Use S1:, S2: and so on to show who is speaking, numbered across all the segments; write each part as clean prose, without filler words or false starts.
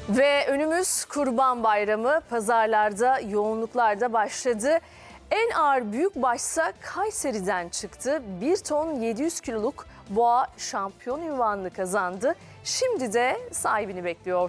S1: Ve önümüz Kurban Bayramı, pazarlarda yoğunluklar da başladı. En ağır büyükbaşsa Kayseri'den çıktı. 1 ton 700 kiloluk boğa şampiyon unvanını kazandı. Şimdi de sahibini bekliyor.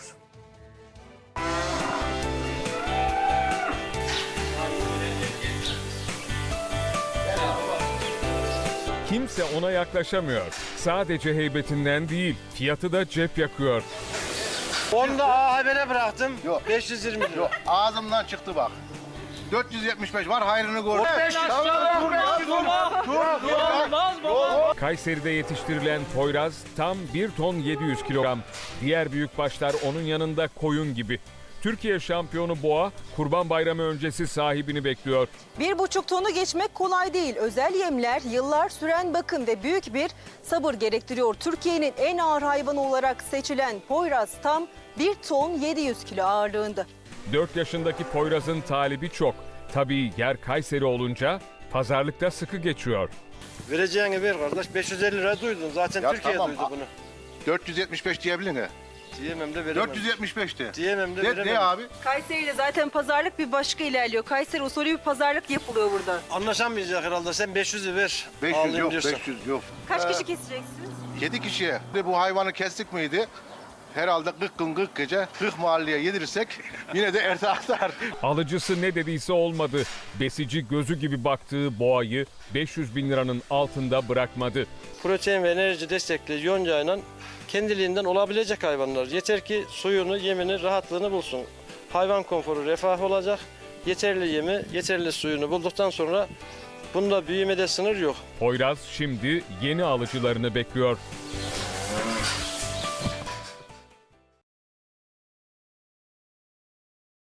S2: Kimse ona yaklaşamıyor. Sadece heybetinden değil, fiyatı da cep yakıyor.
S3: Onu da A Haber'e bıraktım.
S4: Yok.
S3: 520 lira.
S4: Yok, ağzımdan çıktı bak. 475 var, hayrını gör.
S2: Kayseri'de yetiştirilen Poyraz tam 1 ton 700 kilogram. Diğer büyükbaşlar onun yanında koyun gibi. Türkiye şampiyonu boğa Kurban Bayramı öncesi sahibini bekliyor.
S5: 1,5 tonu geçmek kolay değil. Özel yemler, yıllar süren bakım ve büyük bir sabır gerektiriyor. Türkiye'nin en ağır hayvanı olarak seçilen Poyraz tam 1 ton 700 kilo ağırlığında.
S2: 4 yaşındaki Poyraz'ın talibi çok. Tabii yer Kayseri olunca pazarlıkta sıkı geçiyor.
S3: Vereceğini ver kardeş. 550 lira duydun. Zaten
S4: Ya
S3: Türkiye
S4: tamam.
S3: duydu bunu.
S4: 475 diyebilir mi?
S3: Diyemem de veremem.
S4: 475 de.
S3: Diyemem de veremem.
S4: De abi.
S5: Kayseri'de zaten pazarlık bir başka ilerliyor. Kayseri usulü bir pazarlık yapılıyor burada.
S3: Anlaşamayacak herhalde. Sen 500'ü ver.
S4: 500
S3: Alayım
S4: yok,
S3: diyorsan.
S4: 500 yok.
S5: Kaç kişi keseceksiniz?
S4: 7 kişiye. Bu hayvanı kestik miydi? Herhalde 40 gün 40 gece 40 mahalleye yedirirsek yine de artar.
S2: Alıcısı ne dediyse olmadı. Besici gözü gibi baktığı boğayı 500 bin liranın altında bırakmadı.
S3: Protein ve enerji destekli yoncayla kendiliğinden olabilecek hayvanlar. Yeter ki suyunu, yemini, rahatlığını bulsun. Hayvan konforu refah olacak. Yeterli yemi, yeterli suyunu bulduktan sonra bunda büyümede sınır yok.
S2: Poyraz şimdi yeni alıcılarını bekliyor.